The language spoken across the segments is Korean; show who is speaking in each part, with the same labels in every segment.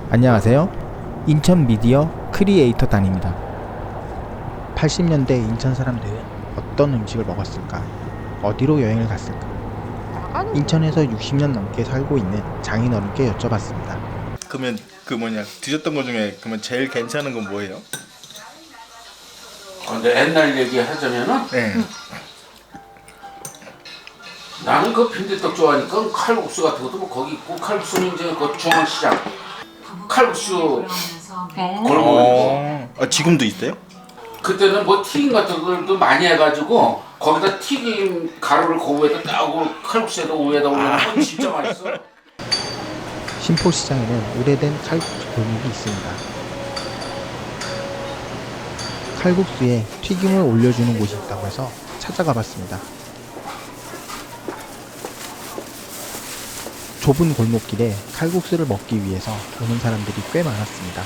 Speaker 1: 안녕하세요. 인천 미디어 크리에이터 단입니다. 80년대 인천 사람들은 어떤 음식을 먹었을까? 어디로 여행을 갔을까? 인천에서 60년 넘게 살고 있는 장인어른께 여쭤봤습니다.
Speaker 2: 그러면 드셨던 것 중에 그러면 제일 괜찮은 건 뭐예요?
Speaker 3: 근데 옛날 얘기 하자면은
Speaker 2: 네.
Speaker 3: 나는 그 빈대떡 좋아하니까 칼국수 같은 것도 뭐 거기 있고, 칼국수는 이제 그 중앙시장 칼국수 골목.
Speaker 2: 지금도 있어요?
Speaker 3: 그때는 뭐 튀김 같은 걸도 많이 해가지고 거기다 튀김 가루를 그 위에다 따고 칼국수에다 위에다 올려놓으면 진짜 맛있어.
Speaker 1: 신포시장에는 오래된 칼국수 골목이 있습니다. 칼국수에 튀김을 올려주는 곳이 있다고 해서 찾아가 봤습니다. 좁은 골목길에 칼국수를 먹기 위해서 오는 사람들이 꽤 많았습니다.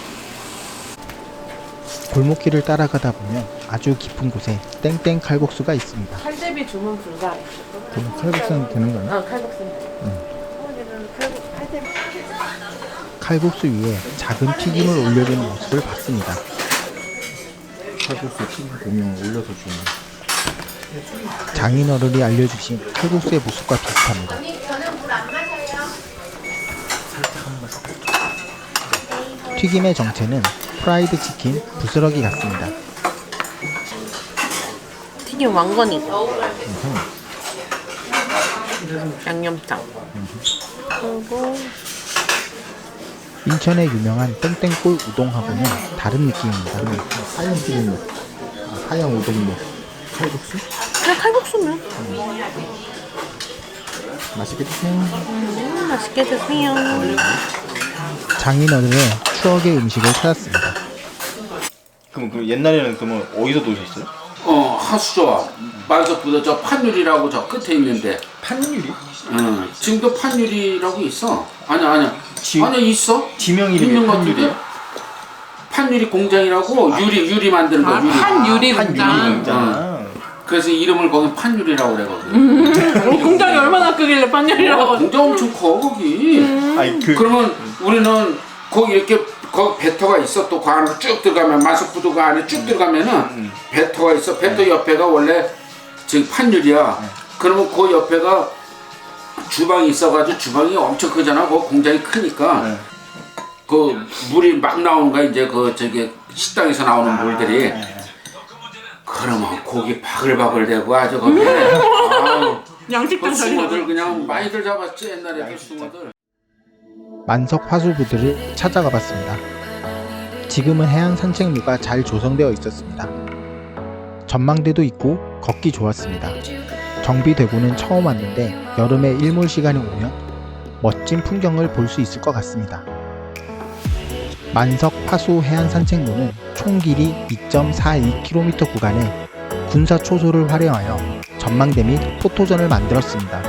Speaker 1: 골목길을 따라가다 보면 아주 깊은 곳에 땡땡 칼국수가 있습니다.
Speaker 4: 칼제비 주문 불가.
Speaker 1: 그럼 칼국수는 되는 거예요?
Speaker 4: 칼국수는 돼. 칼제비.
Speaker 1: 칼국수 위에 작은 튀김을 올려주는 모습을 봤습니다.
Speaker 2: 칼국수 튀김 보면 올려서 주는.
Speaker 1: 장인어른이 알려주신 칼국수의 모습과 비슷합니다. 튀김의 정체는 프라이드 치킨 부스러기 같습니다.
Speaker 4: 튀김 왕건이고. 양념장. 그리고
Speaker 1: 인천의 유명한 땡땡골 우동하고는 다른 느낌입니다.
Speaker 2: 하얀 튀김, 하얀 우동면, 칼국수?
Speaker 4: 그냥 칼국수면.
Speaker 2: 맛있게 드세요.
Speaker 4: 맛있게 드세요.
Speaker 1: 장인어른의 추억의 음식을 찾았습니다.
Speaker 2: 그럼 옛날에는 그러면 어디서 노셨어요?
Speaker 3: 하수저와 말석보다 저 판유리라고 저 끝에 있는데.
Speaker 2: 판유리?
Speaker 3: 지금도 판유리라고 있어. 아니야 있어.
Speaker 2: 지명
Speaker 3: 있는
Speaker 2: 이름이
Speaker 3: 것들이.
Speaker 2: 판유리야?
Speaker 3: 판유리 공장이라고 유리 만드는 거. 유리.
Speaker 4: 판유리
Speaker 2: 판유리
Speaker 4: 공장.
Speaker 2: 공장.
Speaker 3: 그래서 이름을 거기 판유리라고 그래거든.
Speaker 4: 공장이 얼마나 크길래 판유리라고.
Speaker 3: 공장 엄청 커 거기.
Speaker 2: 아니
Speaker 3: 그러면 우리는 거기 이렇게 거기 배터가 있어. 또 그 안으로 쭉 들어가면 마석부두가 안에 쭉 들어가면은 배터가 있어. 배터 옆에가 원래 지금 판유리야. 그러면 그 옆에가 주방이 있어가지고 주방이 엄청 크잖아. 그 공장이 크니까 그 물이 막 나오는 거야. 이제 그 저기 식당에서 나오는 물들이. 그러면 고기 바글바글대고 아주 거기.
Speaker 4: 양식장
Speaker 3: 그
Speaker 4: 살려.
Speaker 3: 숭어들 그냥 많이들 잡았지 옛날에 그 숭어들.
Speaker 1: 만석 하수부들을 찾아가 봤습니다. 지금은 해양 산책로가 잘 조성되어 있었습니다. 전망대도 있고 걷기 좋았습니다. 정비되고는 처음 왔는데 여름에 일몰 시간이 오면 멋진 풍경을 볼 수 있을 것 같습니다. 만석 하수 해안 산책로는 총 길이 2.42km 구간에 군사 초소를 활용하여 전망대 및 포토전을 만들었습니다.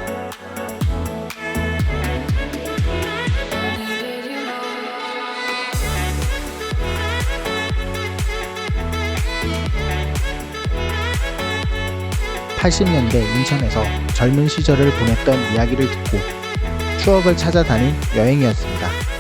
Speaker 1: (80년대) 인천에서 젊은 시절을 보냈던 이야기를 듣고 추억을 찾아다닌 여행이었습니다.